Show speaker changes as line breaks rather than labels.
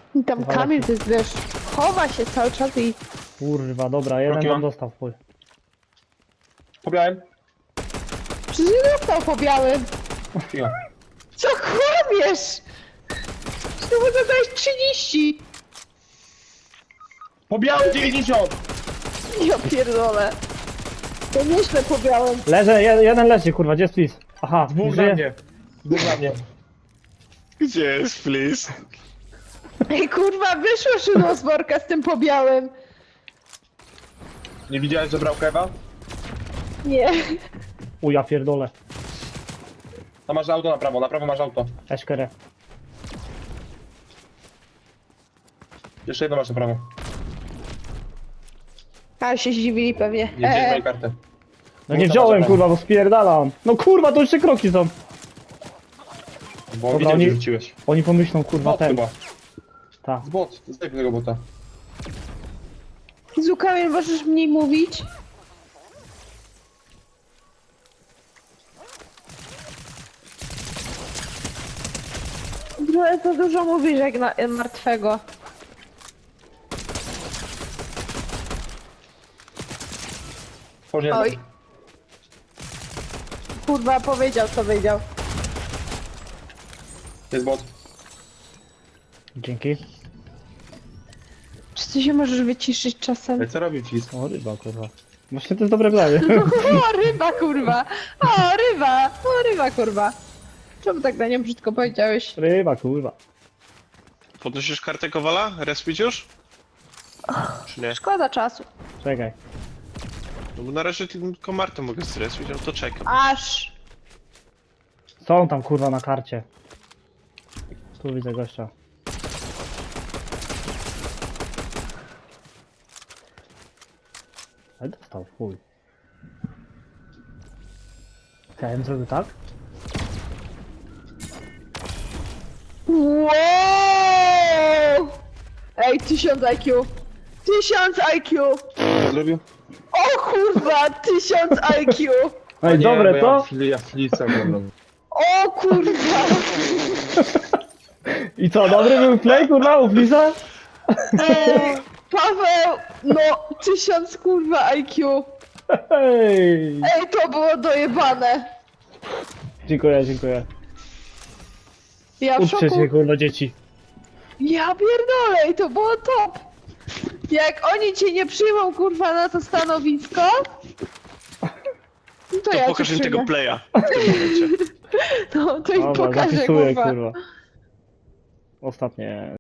I tam Kamil, to jest, wiesz, chowa się cały czas i...
Kurwa, dobra, jeden
Rokiman.
tam dostał w chuj.
Pobiałem.
Przecież nie dostał po białym.
Cicho.
Co kłamiesz? Ty mu zadałeś 30.
Pobiałem 90!
Ja pierdolę. To nieźle po białym.
Leżę, jeden leży, kurwa, gdzie jest Flis? Aha,
Dwóch
nie
na
żyje?
mnie. Dwóch na mnie.
Gdzie jest, please?
Ej, kurwa, wyszło szydło z worka z tym po białym.
Nie widziałeś, że brał kewa?
Nie.
U, ja pierdolę.
To masz auto na prawo masz auto.
Eszkerę.
Jeszcze jedno masz na prawo.
A się zdziwili pewnie.
Nie wziąłeś mojej karty.
No nie
to
wziąłem,
masz
kurwa, bo spierdalam. No kurwa, to jeszcze kroki są.
Bo
Dobra,
widziałem,
oni-
że rzuciłeś.
Oni pomyślą, kurwa,
Bot
ten.
chyba.
Ta.
Z bot. Zdejmij tego bota.
Zu, Kamil, możesz mniej mówić? Trochę to dużo mówisz jak na martwego.
Tworzyłem.
Oj. Kurwa, powiedział co wiedział.
Jest bot.
Dzięki.
Czy ty się możesz wyciszyć czasem?
Ej, co robił ci?
O, ryba, kurwa. Właśnie to jest dobre planie.
O, ryba, kurwa! O, ryba! O, ryba, kurwa! Czemu tak na nią brzydko powiedziałeś?
Ryba, kurwa.
Podnosisz kartę Kowala? Respić już? Czy nie?
Szkoda czasu.
Czekaj.
No bo na razie tylko Martę mogę zrespić, no to czekam.
Aż!
Są tam, kurwa, na karcie. Tu widzę gościa. Ale dostał, chuj. Chciałem zrobił tak?
Wow! Ej, 1000 IQ! 1000 IQ!
Co zrobił?
O kurwa, 1000 IQ!
Ej, dobre
bo
to?
Ja flicę oglądam.
O kurwa!
I co, dobry był play, kurwa, u Flisa?
Ej, Paweł, no 1000 kurwa IQ!
Hej!
Ej, to było dojebane!
Dziękuję, dziękuję.
Ja w
Uczcie
szoku.
się, kurwa, dzieci.
Ja pierdolę, i to było top! Jak oni cię nie przyjmą kurwa na to stanowisko, to
To
ja
pokaż
cię
im tego
przyjmę.
playa w tym momencie.
No, to im
Dobra,
pokażę
zapisuję,
kurwa.
kurwa. Ostatnie.